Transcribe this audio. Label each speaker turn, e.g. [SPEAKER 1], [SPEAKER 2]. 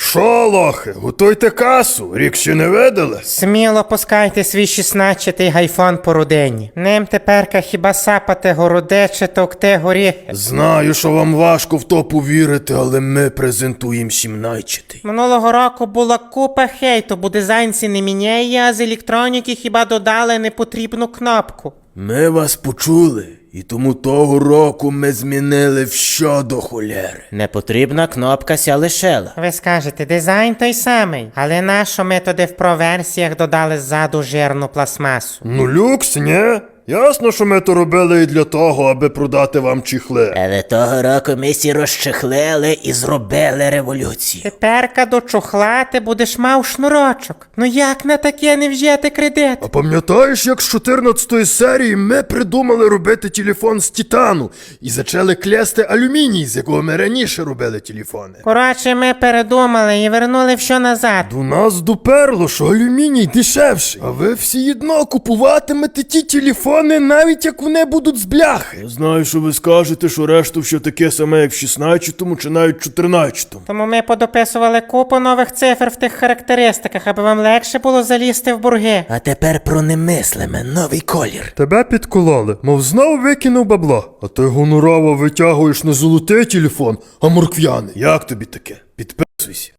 [SPEAKER 1] Шо, лохи, готуйте касу, рік ще не видали?
[SPEAKER 2] Сміло пускайте свій 16-й гайфон по родині. Ним теперка хіба сапати городе чи товкти горіхи.
[SPEAKER 1] Знаю, що вам важко в то повірити, але ми презентуємо 17-й.
[SPEAKER 2] Минулого року була купа хейту, бо дизайн не міняє, а з електроніки хіба додали непотрібну кнопку.
[SPEAKER 1] Ми вас почули, і тому того року ми змінили все до холєри.
[SPEAKER 3] Непотрібна кнопка ся лишила.
[SPEAKER 2] Ви скажете, дизайн той самий, але нащо ми туди в проверсіях додали ззаду жирну пластмасу?
[SPEAKER 1] Ну люкс, ні? Ясно, що ми то робили і для того, аби продати вам чіхли.
[SPEAKER 3] Але того року ми сі розчехлили і зробили революцію.
[SPEAKER 2] Теперка до чохла ти будеш мав шнурочок. Ну як на таке не взяти кредит?
[SPEAKER 1] А пам'ятаєш, як з 14-ї серії ми придумали робити телефон з титану і зачали клясти алюміній, з якого ми раніше робили телефони?
[SPEAKER 2] Коротше, ми передумали і вернули все назад.
[SPEAKER 1] До нас доперло, що алюміній дешевший, а ви всі одно купуватимете ті телефони, навіть як вони будуть з бляхи. Я знаю, що ви скажете, що решту все таке саме, як в 16-му чи навіть 14-му.
[SPEAKER 2] Тому ми подописували купу нових цифр в тих характеристиках, аби вам легше було залізти в борги.
[SPEAKER 3] А тепер про немислиме, новий колір.
[SPEAKER 1] Тебе підкололи, мов знову викинув бабло. А ти гонорово витягуєш не золотий телефон, а морквяний. Як тобі таке? Підписуйся.